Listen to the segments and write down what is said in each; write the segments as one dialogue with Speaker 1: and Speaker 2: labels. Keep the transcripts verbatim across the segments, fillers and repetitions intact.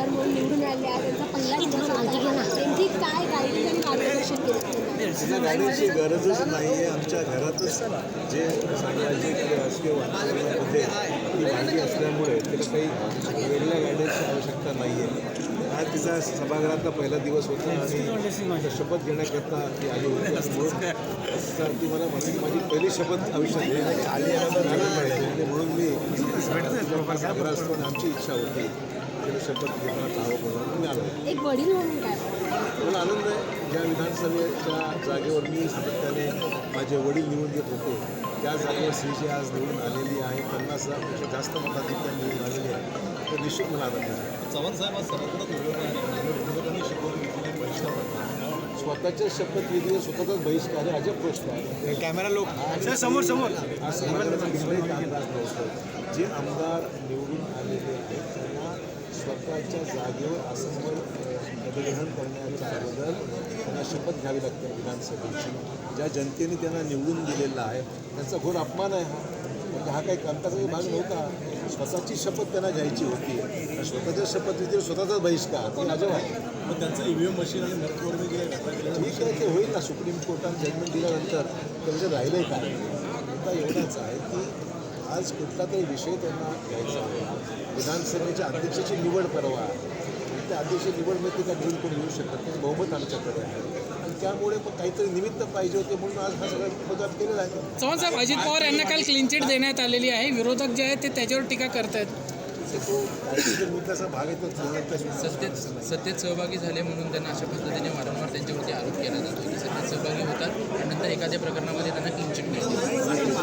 Speaker 1: आमदार म्हणून निवडून आले आहे, त्यांचा पहिला दिवस आहे. त्यांची काय गाईड आणि मार्गदर्शन केलं?
Speaker 2: तिला गाडीची गरजच नाही आहे. आमच्या घरातच जे सामाजिक राजकीय वातावरणामध्ये ती भांडी असल्यामुळे तिला काही वेगळ्या गाडीची आवश्यकता नाही आहे. आज तिचा सभागृहातला पहिला दिवस होता आणि शपथ घेण्याकरता ती आली होती. म्हणून ती मला म्हणाली की माझी पहिली शपथ आयुष्यात घेण्याची आली आणि म्हणून मी घाबरा असतो आणि आमची इच्छा होती तिला शपथ घेण्यात हवं म्हणून मी आलो.
Speaker 1: एक वडील म्हणून काय
Speaker 2: मला आनंद आहे. ज्या विधानसभेच्या जागेवर मी सातत्याने माझे वडील निवडून येत होते त्या जागेवर श्रीजी आज निवडून आलेली आहे. पन्नास हजारपेक्षा जास्त मताधिक्य निवडून आलेली आहे. तर निश्चित मला आनंद आहे.
Speaker 3: चव्हाण साहेब आज सर्वत्र विरोधकांनी शपथ घेतली बहिष्कार
Speaker 2: स्वतःच्या शपथविधीवर स्वतःचाच बहिष्कार आहे. अजब गोष्ट आहे.
Speaker 3: कॅमेरा लोक समोर समोर
Speaker 2: आज समाजाचा कुठलाही अंदाज नव्हतो. जे आमदार निवडून आलेले आहेत त्यांना स्वतःच्या जागेवर आसनवर पदग्रहण करण्याच्या अगोदर त्यांना शपथ घ्यावी लागते विधानसभेची. ज्या जनतेने त्यांना निवडून दिलेला आहे त्यांचा घोर अपमान आहे हा. म्हणजे हा काही कामकाजाचा भाग नव्हता. स्वतःची शपथ त्यांना घ्यायची होती. स्वतःच्या शपथविधीवर स्वतःचाच बहिष्कार ते अजब आहे.
Speaker 3: मग त्यांचं ईव्हीएम मशीन आणि मतमोजणी जे
Speaker 2: ठीक आहे ते होईल ना. सुप्रीम कोर्टाने जजमेंट दिल्यानंतर त्यामध्ये राहिलं आहे काय. मुद्दा एवढाच आहे की आज कुठला तरी विषय त्यांना घ्यायचा आहे. विधानसभेच्या अध्यक्षाची निवड परवा आहे. त्या अध्यक्ष निवडमध्ये का निवडून कोणी येऊ शकत नाही. बहुमत आमच्याकडे आहे आणि त्यामुळे मग काहीतरी निमित्त पाहिजे होते म्हणून आज हा सगळा पदार्थ केलेला आहे.
Speaker 4: चव्हाण साहेब, अजित पवार यांना काल क्लीन चिट देण्यात आलेली आहे. विरोधक जे आहेत ते त्याच्यावर टीका करतायत.
Speaker 2: तो कायदेशीर मुद्द्याचा भाग आहे. तो
Speaker 5: सत्तेत सत्तेत सहभागी झाले म्हणून त्यांना अशा पद्धतीने वारंवार त्यांच्यावरती आरोप केला जातो की सत्तेत सहभागी होतात आणि नंतर एखाद्या प्रकरणामध्ये त्यांना क्लीन चिट मिळते.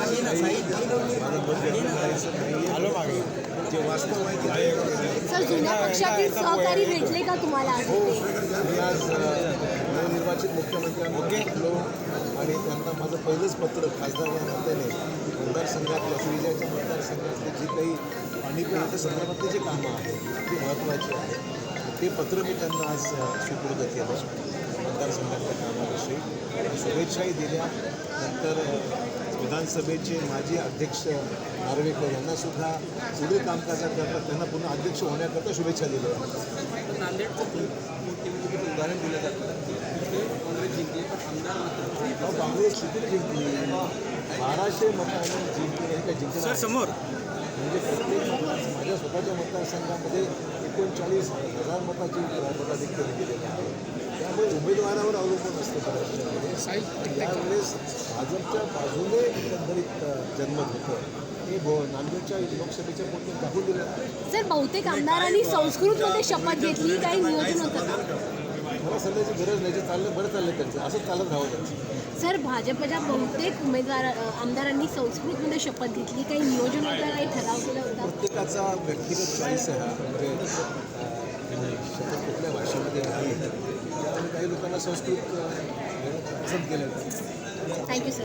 Speaker 2: जे वास्तव आहे
Speaker 1: सर, जुन्या पक्षातील सहकारी भेटले का तुम्हाला?
Speaker 2: हो, मी आज नवनिर्वाचित मुख्यमंत्र्यांना भेटलो आणि त्यांना माझं पहिलंच पत्र खासदार या नात्याने मतदारसंघातल्या श्रीजाच्या मतदारसंघातले जी काही पाणी पिण्याच्या संदर्भातले जे कामं आहेत ते महत्त्वाचे आहेत ते पत्र मी त्यांना आज सुपूर्द केलं मतदारसंघातल्या कामाविषयी. शुभेच्छाही दिल्या. नंतर विधानसभेचे माजी अध्यक्ष नार्वेकर यांनासुद्धा पुढील कामकाजाकरता त्यांना पुन्हा अध्यक्ष होण्याकरता शुभेच्छा दिल्या.
Speaker 5: नांदेडचं उदाहरण दिलं जातं काँग्रेस जिंकली पण आमदार मात्र
Speaker 2: काँग्रेस किती जिंकली? बाराशे मतांनी जिंकली हे काय जिंकलं
Speaker 3: समोर
Speaker 2: म्हणजे प्रत्येक मतदार माझ्या स्वतःच्या मतदारसंघामध्ये एकोणचाळीस हजार मताची मताधिक्य दिलेलं आहे. त्यामुळे उमेदवारावर अवलंबून असतं बऱ्याचशामध्ये. त्यावेळेस भाजपच्या बाजूने एकंदरीत जनमत होतं. हे भो नांदेडच्या लोकसभेच्या पोटी दाखवून दिलं आहे.
Speaker 1: सर, बहुतेक आमदारांनी संस्कृतमध्ये शपथ घेतली, काही नियोजन होतं का?
Speaker 2: मला सल्ल्याची गरज नाही. जे चाललं बरं चाललं त्यांचं. असंच चालत राहावं त्यांचं.
Speaker 1: सर, भाजपच्या बहुतेक उमेदवार आमदारांनी संस्कृतमध्ये शपथ घेतली, काही नियोजन होतं, काही ठराव केला होता?
Speaker 2: प्रत्येकाचा व्यक्तिगत चॉईस आहे हा. म्हणजे शपथ कुठल्या भाषेमध्ये नाही. त्यामुळे काही लोकांना संस्कृत घेणं पसंत केलं.
Speaker 1: Thank you sir.